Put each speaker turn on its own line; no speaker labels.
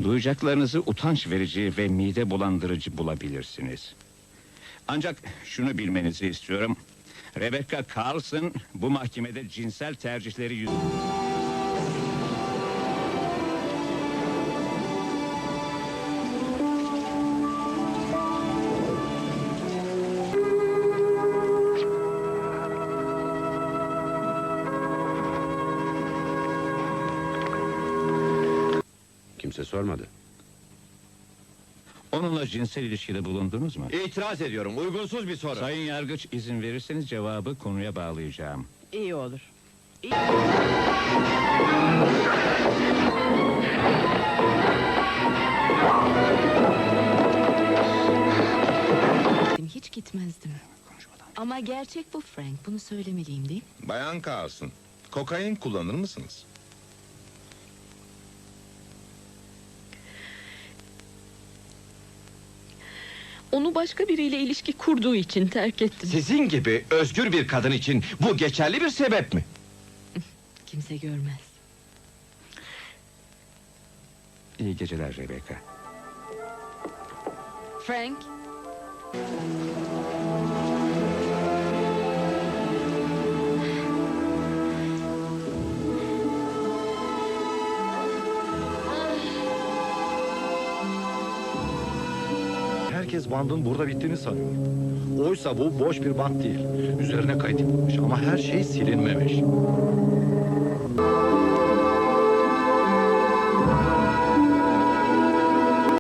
Duyacaklarınızı utanç verici ve mide bulandırıcı bulabilirsiniz. Ancak şunu bilmenizi istiyorum. Rebecca Carlson bu mahkemede cinsel tercihleri
Kimse sormadı.
Onunla cinsel ilişkide bulundunuz mu?
İtiraz ediyorum. Uygunsuz bir soru.
Sayın Yargıç, izin verirseniz cevabı konuya bağlayacağım.
İyi olur.
Hiç gitmezdim. Ama gerçek bu Frank. Bunu söylemeliyim değil mi?
Bayan Carlson, kokain kullanır mısınız?
Onu başka biriyle ilişki kurduğu için terk ettim.
Sizin gibi özgür bir kadın için bu geçerli bir sebep mi?
Kimse görmez.
İyi geceler Rebecca.
Frank.
Herkes bandın burada bittiğini sanıyor. Oysa bu boş bir band değil. Üzerine kaydedilmiş ama her şey silinmemiş.